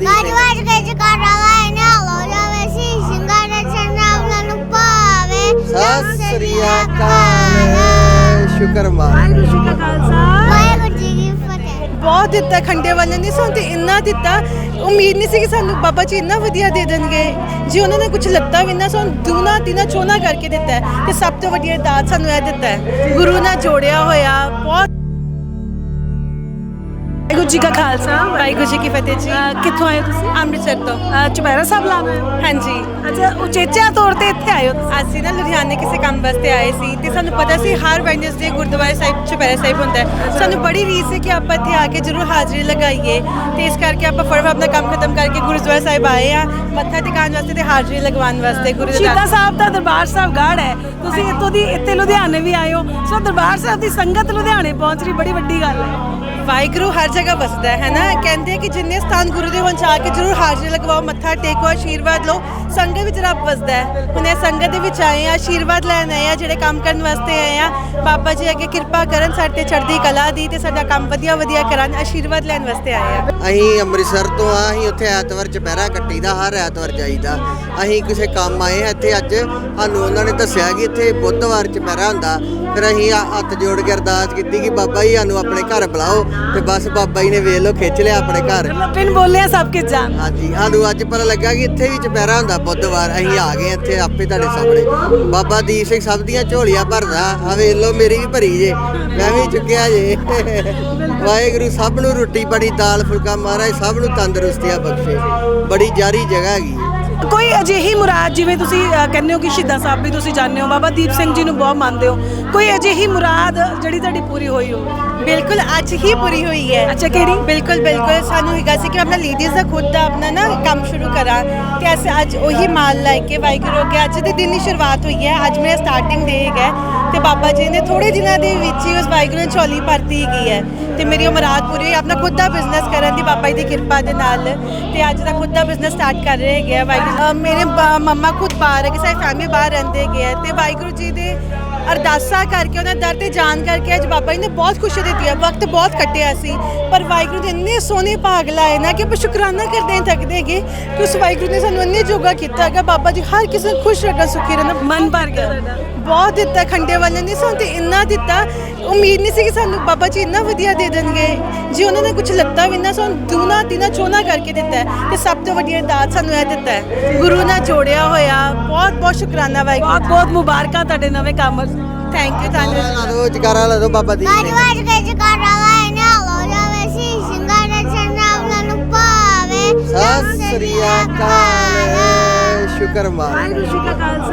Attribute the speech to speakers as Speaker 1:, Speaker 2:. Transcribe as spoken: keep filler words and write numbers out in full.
Speaker 1: ਬਾਬਾ ਦੀਪ ਸਿੰਘ
Speaker 2: ਗੱਜ ਕੇ ਜਕਾਰਾ ਲਾਏ ਨਾਲ ਹੋ ਜਾਵੇ ਸੀ ਸਿੰਘਾਂ ਦੇ ਚਰਨਾਂ ਨੂੰ ਪਾਵੇ।
Speaker 1: ਸਤਿ ਸ੍ਰੀ ਅਕਾਲ। ਸ਼ੁਕਰ ਮਾਨ
Speaker 3: ਵਾਹਿਗੁਰੂ ਜੀ ਕਾ ਖਾਲਸਾ
Speaker 2: ਵਾਹਿਗੁਰੂ ਜੀ ਕੀ ਫਤਿਹ।
Speaker 3: ਬਹੁਤ ਦਿੱਤਾ ਖੰਡੇ ਵਾਲੇ ਨੇ ਸਾਨੂੰ ਤੇ ਇੰਨਾ ਦਿੱਤਾ, ਉਮੀਦ ਨਹੀਂ ਸੀ ਕਿ ਸਾਨੂੰ ਬਾਬਾ ਜੀ ਇੰਨਾ ਵਧੀਆ ਦੇ ਦੇਣਗੇ। ਜੀ ਉਹਨਾਂ ਨੇ ਕੁਝ ਲੱਤਾ ਵੀ ਨਾ, ਸਾਨੂੰ ਦੂਣਾ ਤਿਨਾ ਚੋਨਾ ਕਰਕੇ ਦਿੱਤਾ ਹੈ ਤੇ ਸਭ ਤੋਂ ਵੱਡੀ ਦਾਤ ਸਾਨੂੰ ਇਹ ਦਿੱਤਾ ਹੈ, ਗੁਰੂ ਨਾਲ ਜੋੜਿਆ ਹੋਇਆ। ਬਹੁਤ ਵਾਹਿਗੁਰੂ ਜੀ ਕਾ ਖਾਲਸਾ ਵਾਹਿਗੁਰੂ ਜੀ ਕੀ ਫਤਿਹ ਜੀ। ਕਿੱਥੋਂ ਆਏ ਹੋ ਤੁਸੀਂ? ਅੰਮ੍ਰਿਤਸਰ ਤੋਂ। ਚੁਪਹਿਰਾ ਸਾਹਿਬ ਲਾਉਣ ਆਏ ਹੋ? ਹਾਂਜੀ। ਅੱਛਾ, ਉਚੇਚਾ ਤੌਰ ਤੇ ਇੱਥੇ ਆਏ ਹੋ? ਅਸੀਂ ਨਾ ਲੁਧਿਆਣੇ ਕਿਸੇ ਕੰਮ ਵਾਸਤੇ ਆਏ ਸੀ ਤੇ ਸਾਨੂੰ ਪਤਾ ਸੀ ਹਰ ਵੈਨਸਡੇ ਗੁਰਦੁਆਰਾ ਸਾਹਿਬ ਚੁਪਹਿਰਾ ਸਾਹਿਬ ਹੁੰਦਾ ਹੈ। ਸਾਨੂੰ ਬੜੀ ਰੀਸ ਹੈ ਕਿ ਆਪਾਂ ਇੱਥੇ ਆ ਕੇ ਜ਼ਰੂਰ ਹਾਜ਼ਰੀ ਲਗਾਈਏ ਤੇ ਇਸ ਕਰਕੇ ਆਪਾਂ ਫਟਾਫਟ ਆਪਣਾ ਕੰਮ ਖਤਮ ਕਰਕੇ ਗੁਰਦੁਆਰਾ ਸਾਹਿਬ ਆਏ ਆ ਮੱਥਾ ਟਿਕਾਉਣ ਵਾਸਤੇ ਤੇ ਹਾਜ਼ਰੀ ਲਗਵਾਉਣ ਵਾਸਤੇ। ਗੁਰੂ ਸ਼ਹੀਦਾਂ ਸਾਹਿਬ ਦਾ ਦਰਬਾਰ ਸਾਹਿਬ ਗੜ੍ਹ ਹੈ, ਤੁਸੀਂ ਇੱਥੋਂ ਦੀ ਇੱਥੇ ਲੁਧਿਆਣੇ ਵੀ ਆਏ ਹੋ, ਸੋ ਦਰਬਾਰ ਸਾਹਿਬ ਦੀ ਸੰਗਤ ਲੁਧਿਆਣੇ ਪਹੁੰਚ ਰਹੀ, ਬੜੀ ਵੱਡੀ ਗੱਲ ਹੈ। ਵਾਹਿਗੁਰੂ ਹਰ ਜਗ੍ਹਾ ਵਸਦਾ ਹੈ ਨਾ, ਕਹਿੰਦੇ ਕਿ ਜਿੰਨੇ ਸਥਾਨ ਗੁਰੂ ਦੇ ਹੋਣ ਜਾ ਕੇ ਜ਼ਰੂਰ ਹਾਜ਼ਰੀ ਲਗਵਾਓ, ਮੱਥਾ ਟੇਕੋ, ਆਸ਼ੀਰਵਾਦ ਲਓ। ਸੰਗਤ ਵਿੱਚ ਰੱਬ ਵਸਦਾ ਹੈ। ਹੁਣ ਇਹ ਸੰਗਤ ਦੇ ਵਿੱਚ ਆਏ ਆ, ਆਸ਼ੀਰਵਾਦ ਲੈਣ ਆਏ ਆ, ਜਿਹੜੇ ਕੰਮ ਕਰਨ ਵਾਸਤੇ ਆਏ ਆ। ਬਾਬਾ ਜੀ ਅੱਗੇ ਕਿਰਪਾ ਕਰਨ ਸਾਡੇ ਤੇ ਚੜ੍ਹਦੀ ਕਲਾ ਦੀ ਤੇ ਸਾਡਾ ਕੰਮ ਵਧੀਆ ਵਧੀਆ ਕਰਨ, ਆਸ਼ੀਰਵਾਦ ਲੈਣ ਵਾਸਤੇ ਆਏ ਆ।
Speaker 1: ਅਸੀਂ ਅੰਮ੍ਰਿਤਸਰ ਤੋਂ ਆ, ਅਸੀਂ ਉੱਥੇ ਐਤਵਾਰ ਚੁਪਹਿਰਾ ਕੱਟੀਦਾ, ਹਰ ਐਤਵਾਰ ਜਾਈਦਾ। ਅਸੀਂ ਕਿਸੇ ਕੰਮ ਆਏ ਹਾਂ ਇੱਥੇ, ਅੱਜ ਸਾਨੂੰ ਉਹਨਾਂ ਨੇ ਦੱਸਿਆ ਕਿ ਇੱਥੇ ਬੁੱਧਵਾਰ ਚੁਪਹਿਰਾ ਹੁੰਦਾ। ਫਿਰ ਅਸੀਂ ਹੱਥ ਜੋੜ ਕੇ ਅਰਦਾਸ ਕੀਤੀ ਕਿ ਬਾਬਾ ਜੀ ਸਾਨੂੰ ਆਪਣੇ ਘਰ ਬੁਲਾਓ, ਤੇ ਬਸ ਬਾਬਾ ਜੀ ਨੇ ਵੇਖ ਲਓ ਖਿੱਚ ਲਿਆ ਆਪਣੇ ਘਰ।
Speaker 3: ਪਿੰਡ ਬੋਲਿਆ ਸਭ ਕੁਝ ਜਾਣ।
Speaker 1: ਹਾਂਜੀ, ਸਾਨੂੰ ਅੱਜ ਪਤਾ ਲੱਗਾ ਕਿ ਇੱਥੇ ਵੀ ਚੁਪਹਿਰਾ ਹੁੰਦਾ ਬੁੱਧਵਾਰ। ਅਸੀਂ ਆ ਗਏ ਇੱਥੇ ਆਪੇ ਤੁਹਾਡੇ ਸਾਹਮਣੇ। ਬਾਬਾ ਦੀਪ ਸਿੰਘ ਸਭ ਦੀਆਂ ਝੋਲੀਆਂ ਭਰਦਾ, ਆ ਵੇਖ ਲਓ ਮੇਰੀ ਵੀ ਭਰੀ ਜੇ, ਮੈਂ ਵੀ ਚੁੱਕਿਆ ਜੇ। ਵਾਹਿਗੁਰੂ ਸਭ ਨੂੰ ਰੋਟੀ ਪਾਣੀ ਦਾਲ ਫੁਲਕਾ ਮਹਾਰਾਜ ਸਭ ਨੂੰ ਤੰਦਰੁਸਤੀਆਂ ਬਖਸ਼ੇ। ਬੜੀ ਜਾਰੀ ਜਗ੍ਹਾ ਹੈਗੀ।
Speaker 3: ਕੋਈ ਅਜਿਹੀ ਮੁਰਾਦ, ਜਿਵੇਂ ਤੁਸੀਂ ਅ, ਕਹਿੰਦੇ ਹੋ ਕਿ ਸ਼ਹੀਦਾਂ ਸਾਹਿਬ ਵੀ ਤੁਸੀਂ ਜਾਣਦੇ ਹੋ, ਬਾਬਾ ਦੀਪ ਸਿੰਘ ਜੀ ਨੂੰ ਬਹੁਤ ਮੰਨਦੇ ਹੋ, ਕੋਈ ਅਜਿਹੀ ਮੁਰਾਦ ਜਿਹੜੀ ਤੁਹਾਡੀ ਪੂਰੀ ਹੋਈ ਹੋ? ਬਿਲਕੁਲ ਅੱਜ ਹੀ ਪੂਰੀ ਹੋਈ ਹੈ। ਅੱਛਾ, ਕਿਹੜੀ? ਬਿਲਕੁਲ ਬਿਲਕੁਲ ਸਾਨੂੰ ਹੈਗਾ ਸੀ ਕਿ ਆਪਣਾ ਲੇਡੀਜ਼ ਦਾ ਖੁਦ ਦਾ ਆਪਣਾ ਨਾ ਕੰਮ ਸ਼ੁਰੂ ਕਰਾਂ ਤੇ ਅਸੀਂ ਅੱਜ ਉਹੀ ਮਾਲ ਲੈ ਕੇ ਵਾਹਿਗੁਰੂ ਅੱਗੇ ਅੱਜ ਦੇ ਦਿਨ ਦੀ ਸ਼ੁਰੂਆਤ ਹੋਈ ਹੈ। ਅੱਜ ਮੇਰਾ ਸਟਾਰਟਿੰਗ ਡੇ ਹੈਗਾ ਤੇ ਬਾਬਾ ਜੀ ਨੇ ਥੋੜੇ ਦਿਨਾਂ ਦੇ ਵਿੱਚ ਹੀ ਉਸ ਵਾਹਿਗੁਰੂ ਨੇ ਝੋਲੀ ਭਰਤੀ ਹੈਗੀ ਹੈ ਤੇ ਮੇਰੀ ਉਹ ਮੁਰਾਦ ਪੂਰੀ ਹੋਈ, ਆਪਣਾ ਖੁਦ ਦਾ ਬਿਜ਼ਨਸ ਕਰਨ ਦੀ ਬਾਬਾ ਜੀ ਦੀ ਕਿਰਪਾ ਦੇ ਨਾਲ। ਤੇ ਅੱਜ ਦਾ ਖੁਦ ਦਾ ਬਿਜ਼ਨਸ ਸਟਾਰਟ ਕਰ ਰਹੇ ਹੈਗੇ ਆ ਵਾਹਿਗੁਰੂ। ਮੇਰੇ ਮੰਮਾ ਖੁਦ ਬਾਹਰ ਹੈ ਕਿ ਸਾਡੀ ਫੈਮਿਲੀ ਬਾਹਰ ਰਹਿੰਦੇ ਹੈਗੇ ਆ ਤੇ ਵਾਹਿਗੁਰੂ ਜੀ ਦੇ ਅਰਦਾਸਾਂ ਕਰਕੇ ਉਹਨਾਂ ਦਰ ਤੇ ਜਾਣ ਕਰਕੇ ਅੱਜ ਬਾਬਾ ਜੀ ਨੇ ਬਹੁਤ ਖੁਸ਼ੀ ਦਿੱਤੀ ਹੈ। ਵਕਤ ਬਹੁਤ ਕੱਟਿਆ ਸੀ ਪਰ ਵਾਹਿਗੁਰੂ ਦੇ ਇੰਨੇ ਸੋਹਣੇ ਭਾਗ ਲਾਏ ਨਾ ਕਿ ਆਪਾਂ ਸ਼ੁਕਰਾਨਾ ਕਰਦੇ ਹਾਂ ਥੱਕਦੇ ਹੈਗੇ ਕਿ ਉਸ ਵਾਹਿਗੁਰੂ ਨੇ ਸਾਨੂੰ ਇੰਨੇ ਜੋਗਾ ਕੀਤਾ ਹੈਗਾ। ਬਾਬਾ ਜੀ ਹਰ ਕਿਸੇ ਨੂੰ ਖੁਸ਼ ਰੱਖਣ, ਸੁਖੀ ਰਹਿਣਾ। ਮਨ ਭਰ ਗਿਆ ਤੁਹਾਡਾ। ਬਹੁਤ ਦਿੱਤਾ ਖੰਡੇ ਵਾਲੇ ਨੇ ਸਾਨੂੰ ਤੇ ਇੰਨਾ ਦਿੱਤਾ, ਉਮੀਦ ਨਹੀਂ ਸੀ ਕਿ ਸਾਨੂੰ ਬਾਬਾ ਜੀ ਇੰਨਾ ਵਧੀਆ ਦੇ ਦੇਣਗੇ। ਜੀ ਉਹਨਾਂ ਨੇ ਕੁਝ ਲੱਤਾ ਵੀ ਨਾ, ਸਾਨੂੰ ਦੂਣਾ ਤਿਨਾ ਚੋਨਾ ਕਰਕੇ ਦਿੱਤਾ ਹੈ ਤੇ ਸਭ ਤੋਂ ਵੱਡੀ ਦਾਤ ਸਾਨੂੰ ਇਹ ਦਿੱਤਾ ਹੈ, ਗੁਰੂ ਨਾਲ ਜੋੜਿਆ ਹੋਇਆ। ਬਹੁਤ ਬਹੁਤ ਸ਼ੁਕਰਾਨਾ ਵਾਹਿਗੁਰੂ। ਬਹੁਤ ਬਹੁਤ ਮੁਬਾਰਕਾਂ ਤੁਹਾਡੇ ਨਵੇਂ ਕੰਮ। Thank you. ਧੰਨਵਾਦ।
Speaker 1: ਲਾ ਦੋ ਜਕਾਰਾ ਲਾ ਦੋ ਬਾਬਾ ਦੀਪ
Speaker 2: ਗੱਜ
Speaker 1: ਸਿੰਘ।
Speaker 2: ਕੇ ਜਕਾਰਾ ਲਾਏ ਨਾਲ ਹੋ ਜਾਵੇ ਸੀ ਸਿੰਘਾਂ ਦੇ ਚਰਨਾਂ ਨੂੰ ਪਾਵੇ।
Speaker 1: ਸਤਿ ਸ੍ਰੀ ਅਕਾਲ। ਸ਼ੁਕਰ ਮਾਨ
Speaker 3: ਵਾਹਿਗੁਰੂ ਜੀ ਕਾ ਖਾਲਸਾ